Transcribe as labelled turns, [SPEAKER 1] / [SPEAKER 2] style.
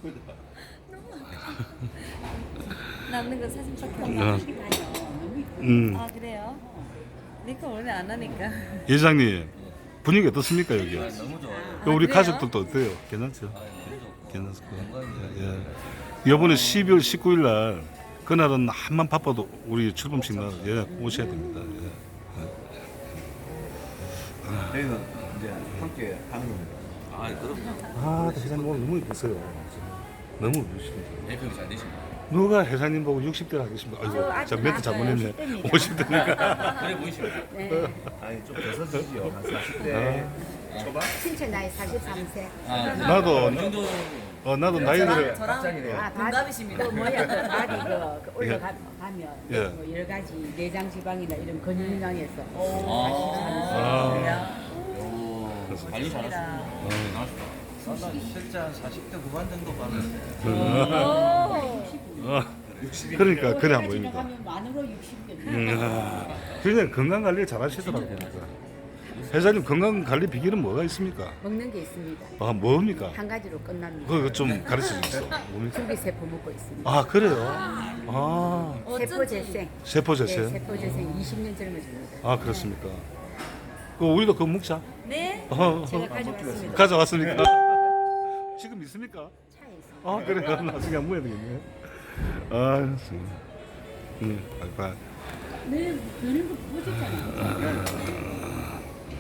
[SPEAKER 1] 남는 거 사진밖에
[SPEAKER 2] 어.
[SPEAKER 1] 없어. 아 그래요? 니가 원래 안 하니까.
[SPEAKER 2] 예장님 분위기 어떻습니까 여기?
[SPEAKER 3] 너무 좋아요.
[SPEAKER 2] 우리
[SPEAKER 1] 그래요?
[SPEAKER 2] 가족들도 어때요? 괜찮죠? 괜찮을 거예요. 예. 이번에 12월 19일 날 그날은 한만 바빠도 우리 출범식 날 오셔야 됩니다.
[SPEAKER 4] 저희는 이제 함께 하는 겁니다.
[SPEAKER 3] 아, 그럼
[SPEAKER 2] 아, 회장님 오늘 너무 예쁘세요. 너무 예쁘십니다.
[SPEAKER 3] 대표님 잘 되십니다.
[SPEAKER 2] 누가 회장님 보고 60대를 하겠습니다. 아이고, 저 멘트 잘못했네. 50대니까.
[SPEAKER 3] 그래 보이십니다.
[SPEAKER 4] 아니 좀 벗어지지요. 한 40대 초반?
[SPEAKER 5] 신체 나이 43세.
[SPEAKER 3] 아,
[SPEAKER 2] 나도
[SPEAKER 3] 이 정도
[SPEAKER 2] 나도 나이들을
[SPEAKER 4] 갑자기네요.
[SPEAKER 1] 동갑이십니다.
[SPEAKER 5] 그 뭐야 그 발이 그 올라가면
[SPEAKER 2] 예.
[SPEAKER 5] 뭐 여러 가지 내장 지방이나 이런 근육량에서
[SPEAKER 2] 아,
[SPEAKER 3] 관리 잘하시고 대단하시다. 실제 한 40대 후반 정도 봤는데
[SPEAKER 2] 그러니까 그래 안 보입니다.
[SPEAKER 5] 가면 만으로 60대.
[SPEAKER 2] 그냥 건강 관리를 잘 하시더라고요. 회장님 건강 관리 비결은 뭐가 있습니까?
[SPEAKER 5] 먹는 게 있습니다.
[SPEAKER 2] 아, 뭡니까?
[SPEAKER 5] 한 가지로 끝납니다.
[SPEAKER 2] 그거 좀 가르쳐 주세요. 뭡니까?
[SPEAKER 5] 줄기세포 먹고 있습니다.
[SPEAKER 2] 아, 그래요? 아,
[SPEAKER 5] 세포 재생.
[SPEAKER 2] 세포
[SPEAKER 5] 네,
[SPEAKER 2] 재생?
[SPEAKER 5] 세포 재생 20년 젊어집니다.
[SPEAKER 2] 아, 그렇습니까? 그 우리도 그거 먹자.
[SPEAKER 1] 네.
[SPEAKER 5] 제가 가져왔습니다.
[SPEAKER 2] 가져왔습니까? 지금 있습니까?
[SPEAKER 5] 차에 있습니다.
[SPEAKER 2] 아, 그래요? 나중에 안 먹어야 되겠네. 아, 좋습니다. 바이바이.
[SPEAKER 5] 네, 너는 거 보셨잖아요.